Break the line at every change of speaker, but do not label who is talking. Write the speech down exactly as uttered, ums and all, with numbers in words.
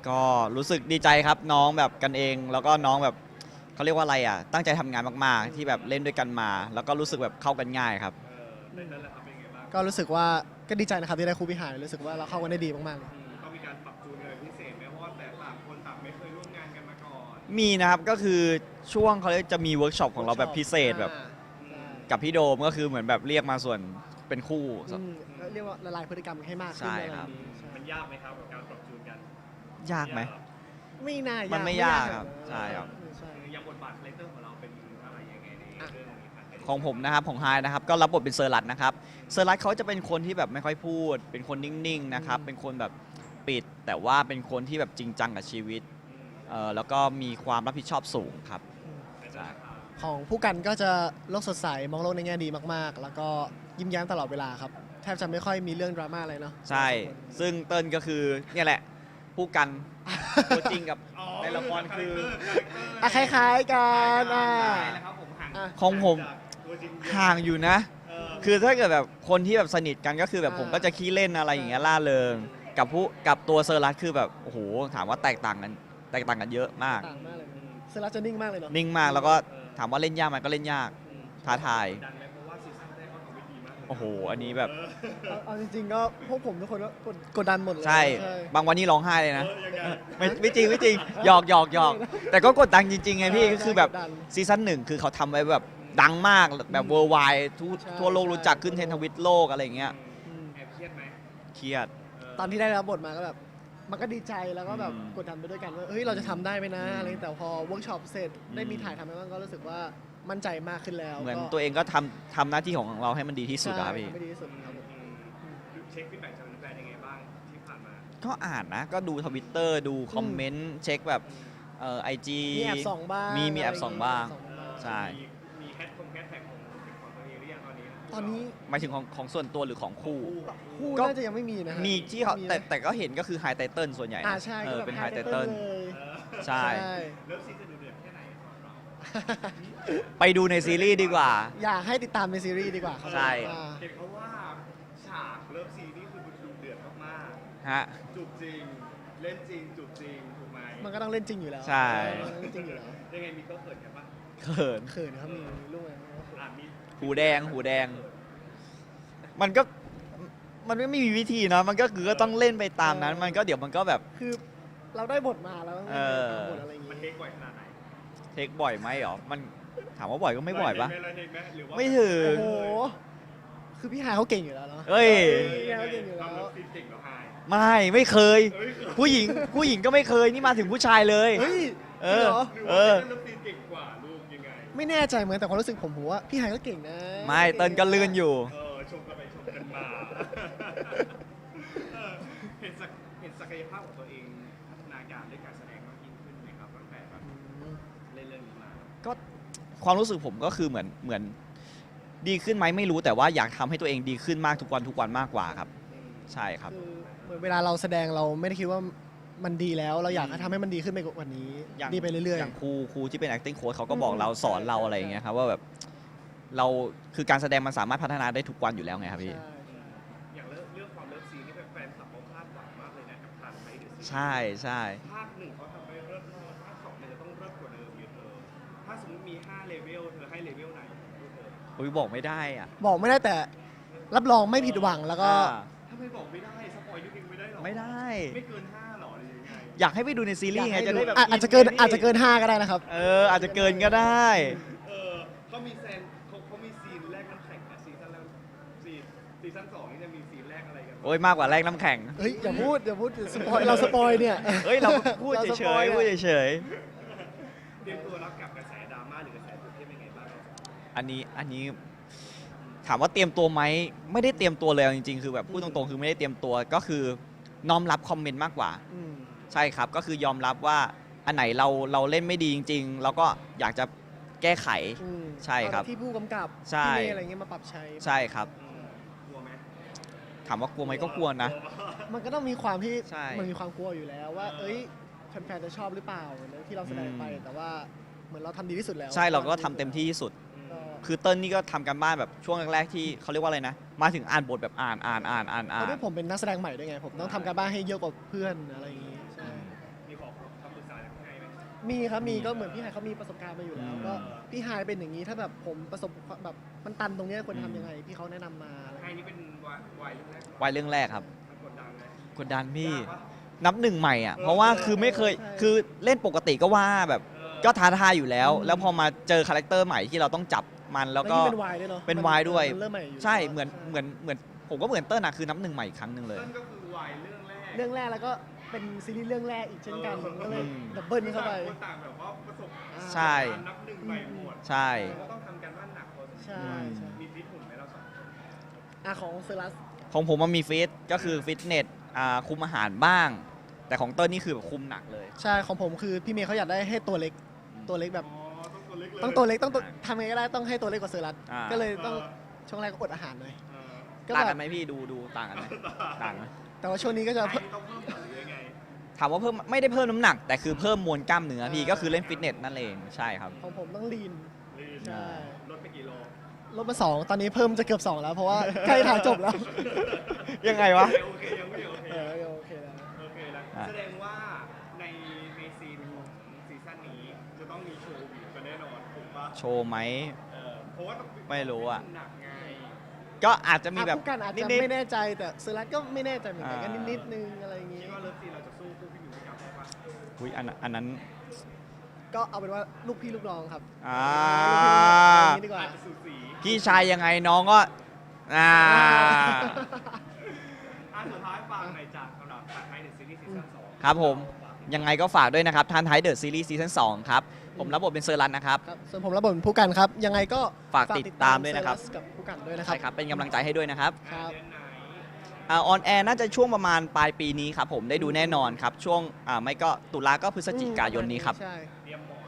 ก็รู้สึกดีใจครับน้องแบบกันเองแล้วก็น้องแบบเขาเรียกว่าอะไรอ่ะตั้งใจทำงานมากๆที่แบบเล่นด้วยกันมา แล้วก็รู้สึกแบบเข้ากันง่ายครับ
ในนั้นแหละครับเป็นไงบ้าง
ก็รู้สึกว่าก็ดีใจนะครับที่ได้ครูพี่หายรู้สึกว่าเราเข้ากันได้ดีมากๆเลย
ต้องมีการปรับจูนอะไรพิเศษไหมเพราะว่าแต่ต่างคนต่างไม่เคยร่วมงานกันมาก่อน
มีนะครับก็คือช่วงเขาเรียกจะมีเวิร์กช็อปของเราแบบพิเศษแบบกับพี่โดมก็คือเหมือนแบบเรียกมาส่วนเป็นคู่
อืมเรียกว่าละลายพฤติกรรมให้มากขึ้น
ใช่
อะไร
ครับ
อย่างนี้ใช่
มันยากไหมครับกับการปรับจูนกัน
ยากไหม
ไม่น่ายาก
มันไม่ยากครับใช่ครับ
ใช่
อย่างบทบาทคาแรคเตอร์ของเราเป็นอะไรยังไงในเรื่องนี้ครับ
ของผมนะครับของไฮนะครับก็รับบทเป็นเซอร์รัตนะครับเซอร์รัตเขาจะเป็นคนที่แบบไม่ค่อยพูด เป็นคนนิ่งๆนะครับเป็นคนแบบปิด แต่ว่าเป็นคนที่แบบจริงจังกับชีวิตเอ่อแล้วก็มีความรับผิดชอบสูงครับใช่
ของผู้กันก็จะโลกสดใสมองโลกในแง่ดีมากๆ แล้วก็ยิ้มแย้มตลอดเวลาครับแทบจะไม่ค่อยมีเรื่องดราม่าอะไรเนาะ
ใช่ ซึ่งเติ้ลก็คือเนี่ยแหละผู้กันตัวจริงกับในละครคือ
อ่ะคล้ายๆกันอ่ะ
นะครับผมห่าง
อ่ะ
ของผม
ตัวจริง
ห่างอยู่นะ
เออ
คือถ้าเกิดแบบคนที่แบบสนิทกันก็คือแบบผมก็จะขี้เล่นอะไรอย่างเงี้ยล่าเริงกับผู้กับตัวเซอร์รัตคือแบบโอ้โหถามว่าแตกต่างกันแตกต่างกันเยอะมาก
ต่างมากเลยเซรัสจะนิ่งมากเลยเนาะ
นิ่งมากแล้วก็ถามว่าเล่นยากไหมก็เล่นยากท้าทาย
ดันไหมเพราะว่าซีซั่นแรกเขาทำไว้ดีมากเลย
โอ้โหอันนี้แบบ
เอาเอาจริงๆก็พวกผมทุกคนก็กดกดดันหมดเลย
ใช่ บางวันนี่ร้องไห้เลยนะ
เออยังไง
ไม่ไม่จริงไม่จริงหยอกหยอกหยอกแต่ก็กดดันจริงๆไงพี่ก็คือแบบ
กดดัน
ซีซั่นหนึ่งคือเขาทำไว้แบบดังมากแบบเวอร์ไวทั่ว
ใช่
ทั่วโลกรู้จักขึ้นเทรนด์ทวิตโลกอะไรอย่างเงี้ย
อืม
แอบเครียดไหม
เครียด
ตอนที่ได้รับบทมาก็แบบมันก็ดีใจแล้วก็แบบ
อืม
กดดันไปด้วยกันว่าเฮ้ยเราจะทำได้ไหมนะ
อืม
อะไรแต่พอเวิร์กช็อปเสร็จได้มีถ่ายทำไปบ้างก็รู้สึกว่ามั่นใจมากขึ้นแล้ว
เหมือน
ก็
ตัวเองก็ทำทำหน้าที่ของเราให้มันดีที่สุดอะครับ
ใช่
พี่
ไม่ดีที่สุดครับผม
เช็คฟีดแบ็กจากแฟนๆยังไงบ้างที่ผ่านมา
ก็อ่านนะ ก็ดูทวิตเตอร์ดูคอมเมนต์เช็คแบบเอ่อไอจี
มีแอบส่องบ้าง
มีมีแอบส่องบ้าง
ส่องบ้าง
ใช่
มีมีแฮชทงแฮชแท็กของของตัวเองหรือยังตอนนี้
ตอนนี้
หมายถึงของของส่วนตัวหรือของคู่
คู่
ก็
น่าจะยังไม่มีนะฮะ
มีที่เขา
ไห
แต่แต่ก็เห็นก็คือไฮไตเติลส่วนใหญ่นะ
อ่าใช่
เอ
ก็
อ
แบบ
เป็นไฮ
high
ไต
title
เติล
เลย
ใช่
เริ่มซีจะดูเดือดแค่ไหนสำหรับเรา
ไปดูในซีรีส์ดีกว่า
อยากให้ติดตามในซีรีส์ดีกว่าครับ
ใช่
อ่า
เห็นเขาว่าฉากเริ่มซีนี่คือมันดูเดือดมาก
ฮะ
ๆจูบจริง เล่นจริงจูบจริงถูกไหม
มันก็ต้องเล่นจริงอยู่แล้ว
ใช่
มันต้องเล่นจริงอยู่แล้ว
ยังไงมีก็เขินกันปะ
เขิน
เขินนะครับมีลูกไหม
อ่ะมี
หูแดงหูแดง มันก็มันไม่มีวิธีเนาะมันก็คือก็ต้องเล่นไปตามนั้น มันก็เดี๋ยวมันก็แบบ
คือเราได้บทมาแล้ว
เออ
บทอะไรอย่าง
มัน
งี้
เทคบ่อยขนาดไหน
เทคบ่อยไหมหรอมันถามว่าบ่อยก็ไม่บ่อยปะ
เลยเทคไหมหรือว่า
ไม่ถึง
โอ้โหคือพี่หายเขาเก่งอยู่แล้วเนาะ
เอ้ย
พี่หายเขาเก่งอยู่แล้ว
ทำเลิฟซีนเก่งเหรอไฮ
ไม่ไม่เคย
เฮ้ย
ผู้หญิงผู้หญิงก็ไม่เคยนี่มาถึงผู้ชายเลย
เฮ้ย
เอ
จริง
อ
เหรอ
หรือ
เอ
ว่า
อ
เลิฟซีนเก่งกว่าลูกยังไง
ไม่แน่ใจเหมือนแต่ความรู้สึกผมผมว่าพี่หายก็เก่งนะ
ไม่เติ้ลก็ลื่นอยู่
เออชมกันไปชมกันมาเออเห็นศักเห็นศักยภาพของตัวเองพัฒนาการด้วยการแสดงมากยิ่งขึ้นไหมครับตั้งแต่แบบ
อืม
เล่นเรื่องนี้มา
ก็ความรู้สึกผมก็คือเหมือนเหมือนดีขึ้นไหมไม่รู้แต่ว่าอยากทำให้ตัวเองดีขึ้นมากทุกวันทุกวันมากกว่าครับ ใช่ครับ
คือเหมือนเวลาเราแสดงเราไม่ได้คิดว่ามันดีแล้ว เราอยากให้ทำให้มันดีขึ้นไปกว่านี้
อย่าง
ดีไปเรื่อย
อย่างครูครูที่เป็น acting coach เขาก็บอก
อืม
เราสอนเราอะไรอย่างเงี้ยครับว่าแบบเราคือการแสดงมันสามารถพัฒนาได้ทุกวันอยู่แล้วไงครับ
ๆ
พี่
ใช่
อย่างเรื่องเรื่องความเลิฟซีนนี่แฟนๆคลับเขาคาดหวังมากเลยนะกับทางไทยเดอะซีรีส์
ใช่ใช่
ภาคหนึ่งเขาทำไปเลิศมากภาคสองเนี่ยจะต้องเลิศกว่าเดิมเยอะเธอถ้าสมมติมีห้าเลเวลเธอให้เลเวลไหนลูกเธอ
อุ้ยบอกไม่ได้อ่ะ
บอกไม่ได้แต่รับรองไม่ผิดหวังแล้วก็
อ่า
ถ้าไม่บอกไม่ได้สปอยนิดนึงไม่ได้หรอ
ไม่ได้
ไม่เกินห้าหรอหรือยังไง
อยากให้ไปดูในซีรีส์ไงจะได้แบบ
อ่ะอาจจะเกินอาจจะเกินห้าก็ได้นะครับ
เอออาจจะเกินก็ได้
เออเขามีแซนเขาเขามีซีนแรกน้ำแข็งนะซีซั่นแรกซีนซีซั่นสองนี่จะมีซีนแรกอะไรกัน
โอ้ยมากกว่าแรกน้ำแข็ง
เฮ้ยอย่าพูดอย่าพูดสปอยเราสปอยเนี่ย
เฮ้ยเราพูด
ราส
เฉ
ปอย
ๆพูดเฉย
เตรียมตัวรับกับกระแสดราม่าหรือกระแสตื่นเต้นยังไงบ้าง
ๆอันนี้อันนี้ถามว่าเตรียมตัวไหมไม่ได้เตรียมตัวเลยเอาจริงๆคือแบบพูดตรงๆคือไม่ได้เตรียมตัวก็คือน้อมรับคอมเมนต์มากกว่า
อืม
ใช่ครับก็คือยอมรับว่าอันไหนเราเราเล่นไม่ดีจริงๆเราก็อยากจะแก้ไข
อืม
ใช่ครับ
เอาที่ผู้กำกับ
ใช่
ที่เมย์อะไรเงี้ยมาปรับใช้
ใช่ครับ
อืมกลัวไหม
ถามว่ากลัวไหมก็กลัวนะ
มันก็ต้องมีความที่
ใช่
มันมีความกลัวอยู่แล้วว่า เอ้ยแฟนๆจะชอบหรือเปล่าเหมือนที่เราแสดงไป
อืม
แต่ว่าเหมือนเราทำดีที่สุดแล้ว
ใช่เราก็ทำเต็มที่ที่สุด
ก็
คือเติ้ลนี่ก็ทำกันบ้านแบบช่วงแรกๆที่เขาเรียกว่าอะไรนะ มาถึงอ่านบทแบบอ่านอ่านอ่านอ่าน
เพ
อ่าน
ราะด้วยผมเป็นนักแสดงใหม่ด้วยไง ผมต้องทำการบ้านให้เยอะกว่าเพื่อนอะไรอย่างงี้ใช่
อ
มีครับมีก็เหมือนพี่ไฮายเขามีประสบการณ์มาอยู่แล้ว
อืม
ก็พี่ไฮายเป็นอย่างนี้ถ้าแบบผมประสบความแบบมันตันตรงเนี้ยควรทำยังไงพี่เขาแนะนำมาอะไร
ไทยนี่เป็นวายวายเรื่องแรก
วัยเรื่องแรกครับ
มันกดดันไหม
กดดันพี่
ยากปะ
นับหนึ่งใหม่อ่ะ เพราะว่าคือไม่เคย
ใช่
คือเล่นปกติก็ว่าแบบ
เออ
ก็ท้าทายอยู่แล้ว
อืม
แล้วพอมาเจอคาแรคเตอร์ใหม่ที่เราต้องจับมันแล้วก็
ยิ่งเป็นวายด้วยเนาะ
เป็น
มั
วายด้วย
มันเริ่มใหม่อยู่
ใช่ เหมือน เหมือน เหมือน ผมก็เหมือนเติ้ลนะคือนับหนึ่งใหม่อีกครั้งหนึ่งเลย
เต้นก็คือวายเรื่องแรก
เรื่องแรกแล้วก็เป็นซีรีส์เรื่องแรกอีกเช่นกัน
เออ
ก็เลย
อืม
ดับเบิลเข้าไป
ต่างคนต่างแบบว่าประสบ
ใช่
การณ์นับหนึ่งใหม่หมด
ใช่
เราก็ต้องทำกันบ้านหนักพอสมควร
ใช่ใช่
มีฟิตหุ่นไหมเราสองคน
อ่ะของเซรัส
ของผมมันมีฟิต ก็คือฟิตเนส อ่า คุมอาหารบ้าง แต่ของเติ้ลนี่คือแบบคุมหนักเลย
ใช่ของผมคือพี่เมย์เขาอยากได้ให้ตัวเล็กตัวเล็กแบบ
อ๋อต้องตัวเล็กเลย
ต้องตัวเล็กต้องตัวทำไงก็ได้ต้องให้ตัวเล็กกว่าเซรัส
อ่า
ก็เลยต้องช่วงแรกก็อดอาหารหน่อย
เออ
ก็
ต่าง
แบ
กับ นไหมพี่ ดู ดู ต่างกันไหมต่างไหม
แต่ว่าช่วงนี้ก็จะ
ไทยนี่ต้องเพิ่มหรือยังไง
ถามว่าเพิ่ม ไม่ได้เพิ่มน้ำหนัก แต่คือเพิ่มมวลกล้ามเนื้อพี่ ก็คือเล่นฟิตเนสนั่นเอง ใช่ครับ
ของผมต้องลีน
ลีน
ใช่
ลดไปกี่โล
ลดมาสองตอนนี้เพิ่มจะเกือบสองแล้วเพราะว่า ใกล้ถ่ายจบแล้ว
ยังไงวะ
โอเคยังไม่โอเค
เออโอเคแล้ว
โอเคนะ
อ่ะ
แสดงว่าในในซีนของซีซั่นนี้จะต้องมีโชว์วิวกันแน่นอนถูกปะ
โชว์ไหม
เออเพราะว่าต้อง
ไม่รู้อะ
หนักไง
ก็อาจจะมีแบบ
อ่ะผู้กันอาจ
นิ
จะ
ด
ไม่แน่ใจแต่เซรัสก็ไม่แน่ใจเหมือนกัน
อ่า
ก็นิดๆนึงอะไรอย่างงี้
คิดว่าเลิฟซีนเราจะสู้คู่พี่หมิวไม่กลับได้ปะ
ๆอุ๊ยอันนั้นอันนั้น
ก็เอาเป็นว่าลูกพี่ลูกน้องครับ
อ่า
ลูกพี่ลูกน้องอย่างนี้ดีกว่า
อาจจะสูสี
พี่ชายยังไงน้องก็ อ่า
อ่ะสุดท้ายฟังหน่อยจากสำหรับทางไทยในซีรีส์ซีซั่นสอง
ครับผม ยังไงก็ฝากด้วยนะครับทันไทยเดอะซีรีส์ซีซั่นสองครับ ผมรับบทเป็นเซอร์รันนะครับ
ครับส่วนผมรับบทเป็นผู้กันครับ ยังไงก็
ฝากติดตามด้วยนะครับ
เซรัสกับผู้กันด้วยนะครั
ใช่ครับ เป็นกำลังใจให้ด้วยนะครับ
ครับ
เดือนไหน
ออนแอร์น่าจะช่วงประมาณปลายปีนี้ครับผมได้ดูแน่นอนครับ ช่วงอ่าไม่ก็ตุลาก็พฤศจิกายนนี้ครับ
ใช่
เตรียมหมอน